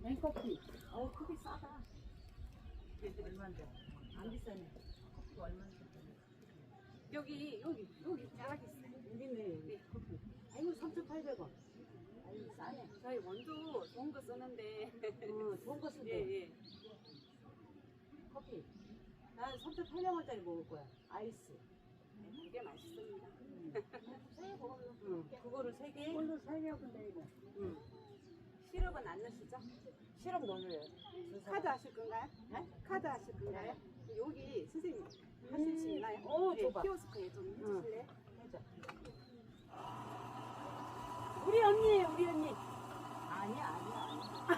냉커피. 커피 싸다. 얼마인데? 안 비싸네. 커피 얼마인데? 여기 쫙 있어요. 여기네. 네, 커피. 아이고 3,800원. 아이고 싸네. 저희 원두 좋은 거 쓰는데. 좋은 거 쓴대. 예, 예. 커피. 난 3,800원짜리 먹을 거야. 아이스. 되게 맛있습니다. 그거를 3개. 이걸로 살려고 내가. 시럽은 안 넣으시죠? 시럽 넣어줘요. 카드 하실 건가요? 네? 카드 하실 건가요? 여기 선생님 하실 수 있나요? 오, 네, 줘봐. 키오스크에 좀 해주실래요? 해줘. 우리 언니. 아니야.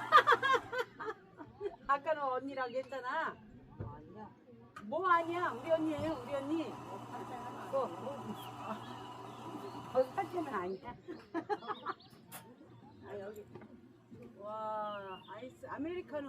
아까는 언니라고 했잖아. 아니야. 뭐 아니야? 우리 언니예요, 우리 언니. 사진은 아니야. 아, 여기. 와, 아이스 아메리카노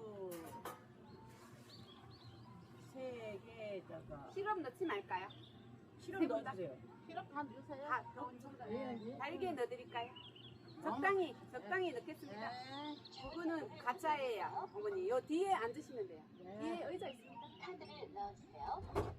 3 개다가 시럽 넣지 말까요? 시럽 넣어주세요. 시럽 다 넣으세요. 다 달게 넣어드릴까요? 적당히 넣겠습니다. 네. 그거는 가짜예요, 어머니. 요 뒤에 앉으시면 돼요. 뒤에 의자 있습니다. 카드를 넣어주세요.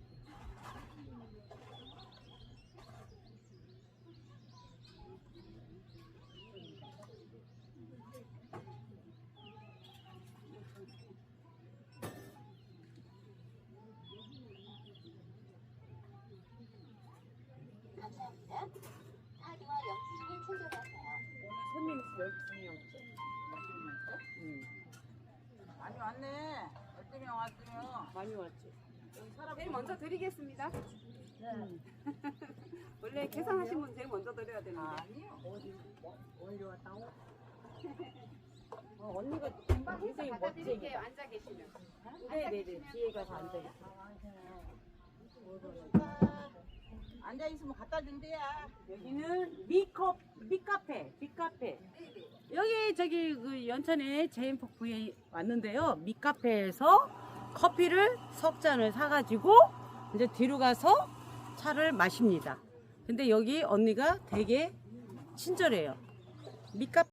감사합니다. 카드와 영수증을 챙겨가세요. 오늘 손님 12명째. 많이 왔네. 12명 왔으면. 많이 왔지. 여기 사람 제일 먼저 드리겠습니다. 네. 원래 계산하신 분 제일 먼저 드려야 되는데. 아니요. 어디 왔다고? 언니가 금방 해서 굉장히 갖다 멋쟁이. 드릴게요. 앉아 계시면. 네네네. 뒤에 가서 앉아있어. 앉아 있으면 갖다 준대야. 여기는 미카페. 여기 저기 그 연천에 제인폭부에 왔는데요. 미카페에서 커피를 석 잔을 사가지고 이제 뒤로 가서 차를 마십니다. 근데 여기 언니가 되게 친절해요. 미카페